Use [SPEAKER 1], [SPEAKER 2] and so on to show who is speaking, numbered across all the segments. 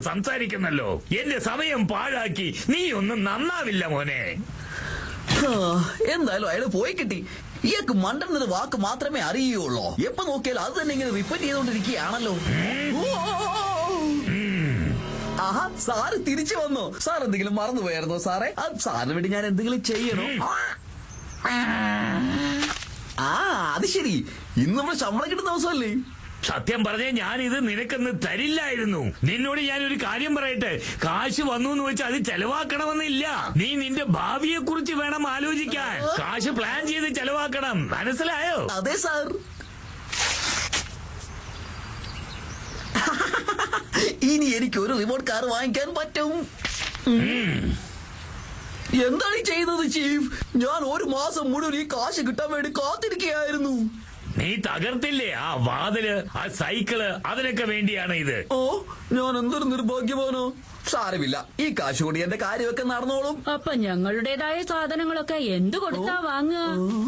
[SPEAKER 1] സംസാരിക്കുന്നല്ലോ. എന്റെ സമയം പാഴാക്കി നീ ഒന്നും നന്നാവില്ല മോനെ.
[SPEAKER 2] എന്തായാലും അയാൾ പോയി കിട്ടി. ഇയാൾക്ക് മണ്ടെന്നത് വാക്ക് മാത്രമേ അറിയുള്ളൂ. എപ്പോ നോക്കിയാലും അത് തന്നെ ഇങ്ങനെ റിപ്പീറ്റ് ചെയ്തോണ്ടിരിക്കുകയാണല്ലോ. ആഹാ, സാറ് തിരിച്ചു വന്നു. സാർ എന്തെങ്കിലും മറന്നുപോയായിരുന്നോ സാറേ? സാറിന് വേണ്ടി ഞാൻ എന്തെങ്കിലും ചെയ്യണോ? അത് ശരി, ഇന്ന് നമ്മൾ ശമ്പളം കിട്ടുന്ന ദിവസമല്ലേ?
[SPEAKER 1] സത്യം പറഞ്ഞേ ഞാനിത് നിനക്കൊന്ന് തരില്ലായിരുന്നു. നിന്നോട് ഞാനൊരു കാര്യം പറയട്ടെ, കാശ് വന്നു എന്ന് വെച്ചാൽ അത് ചെലവാക്കണമെന്നില്ല. നീ നിന്റെ ഭാവിയെ കുറിച്ച് വേണം ആലോചിക്കാൻ. കാശ് പ്ലാൻ ചെയ്ത് ചെലവാക്കണം, മനസ്സിലായോ?
[SPEAKER 2] അതെ സാർ. ഇനി എനിക്ക് ഒരു റിമോട്ട് കാർ വാങ്ങിക്കാൻ പറ്റും. എന്താണ് ഈ ചെയ്യുന്നത് ചീഫ്? ഞാൻ ഒരു മാസം മുഴുവൻ ഈ കാശ് കിട്ടാൻ വേണ്ടി കാത്തിരിക്കുകയായിരുന്നു.
[SPEAKER 1] നീ തകർത്തില്ലേ ആ വാതില്, ആ സൈക്കിള്, അതിനൊക്കെ വേണ്ടിയാണ് ഇത്.
[SPEAKER 2] ഓ, ഞാൻ എന്തൊരു നിർഭാഗ്യവാനോ. സാരമില്ല, ഈ കാശ് കൊണ്ട് എന്റെ കാര്യമൊക്കെ നടന്നോളും.
[SPEAKER 3] അപ്പൊ ഞങ്ങളുടേതായ സാധനങ്ങളൊക്കെ എന്ത് കൊടുത്താ വാങ്ങുക?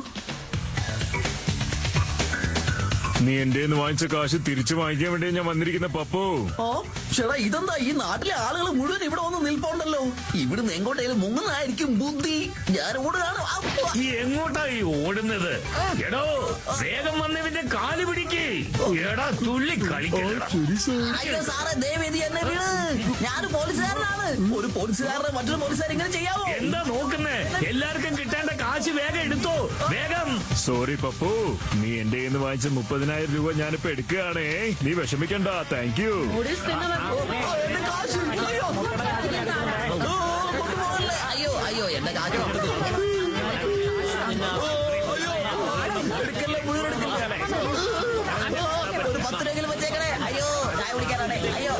[SPEAKER 4] നീ എന്റെ വാങ്ങിച്ച കാശ് തിരിച്ചു വാങ്ങിക്കാൻ വേണ്ടി ഞാൻ വന്നിരിക്കുന്ന പപ്പു.
[SPEAKER 2] ഓ ചേട്ടാ, ഇതെന്താ ഈ നാട്ടിലെ ആളുകൾ മുഴുവൻ ഇവിടെ വന്ന് നിൽപ്പുണ്ടല്ലോ. ഇവിടുന്ന് എങ്ങോട്ടേലും മുങ്ങുന്നതായിരിക്കും ബുദ്ധി. ഞാൻ ഓടുകയാണ്.
[SPEAKER 1] ഈ എങ്ങോട്ടാ ഈ ഓടുന്നത്? എടോ, വേഗം വന്നവന്റെ കാല് പിടിക്ക്. എടാ, തുള്ളി കളിക്കണ്ട.
[SPEAKER 2] അയ്യോ സാറേ, ദയവേദി എന്നെ വീട്. ഞാൻ പോലീസുകാരനാണ്. ഒരു പോലീസുകാരനെ മറ്റൊരു പോലീസുകാരൻ ഇങ്ങനെ ചെയ്യാവോ?
[SPEAKER 1] എന്താ നോക്കുന്നേ? എല്ലാവർക്കും കിട്ടേണ്ട കാശ് വേഗം എടുത്തോ, വേഗം.
[SPEAKER 4] സോറി പപ്പു, നീ എന്റെ വാങ്ങിച്ച 30,000 രൂപ ഞാനിപ്പോ എടുക്കുകയാണേ. നീ വിഷമിക്കണ്ട. Thank you.
[SPEAKER 2] എന്റെ കാശ്. അയ്യോ അയ്യോ, എന്റെ കാശ് എടുക്കല്ലേ, വീടെടുക്കല്ലേ. ഒരു 10 രൂപയെങ്കിലും വെച്ചേക്കണേ. അയ്യോ, ചായ കുടിക്കാനാണേ. അയ്യോ,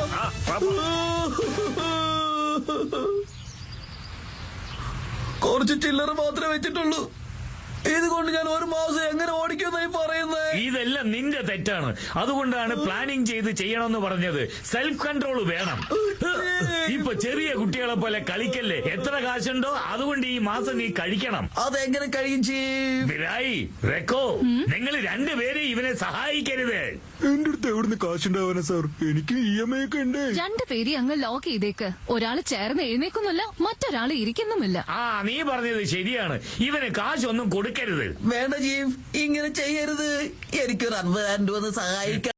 [SPEAKER 2] കുറച്ച് ചില്ലറ മാത്രമേ വെച്ചിട്ടുള്ളൂ. ഇതുകൊണ്ട് ഞാൻ ഒരു മാസം എങ്ങനെ ഓടിക്കുന്നായി പറയുന്നത്?
[SPEAKER 1] ഇതെല്ലാം നിന്റെ തെറ്റാണ്. അതുകൊണ്ടാണ് പ്ലാനിങ് ചെയ്ത് ചെയ്യണമെന്ന് പറഞ്ഞത്. സെൽഫ് കൺട്രോൾ വേണം. ഇപ്പൊ ചെറിയ കുട്ടികളെ പോലെ കളിക്കല്ലേ. എത്ര കാശുണ്ടോ അതുകൊണ്ട് ഈ മാസം നീ കഴിക്കണം.
[SPEAKER 2] അതെങ്ങനെ കഴിയും ചെയ്യും?
[SPEAKER 1] ബിരായി, റെക്കോ, നിങ്ങൾ രണ്ടുപേരും ഇവനെ സഹായിക്കരുത്.
[SPEAKER 4] എന്റെ അടുത്ത് എവിടുന്ന് കാശുണ്ടാവാനാ സാർ? എനിക്ക് EMI ഒക്കെ ഉണ്ട്.
[SPEAKER 5] രണ്ടുപേരെ അങ്ങ് ലോക്ക് ചെയ്തേക്ക്. ഒരാള് ചേർന്ന് എഴുന്നേക്കുന്നില്ല, മറ്റൊരാള് ഇരിക്കുന്നുമില്ല.
[SPEAKER 1] നീ പറഞ്ഞത് ശരിയാണ്. ഇവന് കാശൊന്നും കൊടുക്കരുത്.
[SPEAKER 2] വേണ്ട ചീഫ്, ഇങ്ങനെ ചെയ്യരുത്. എനിക്കൊരു 50,000 രൂപ സഹായിക്കാം.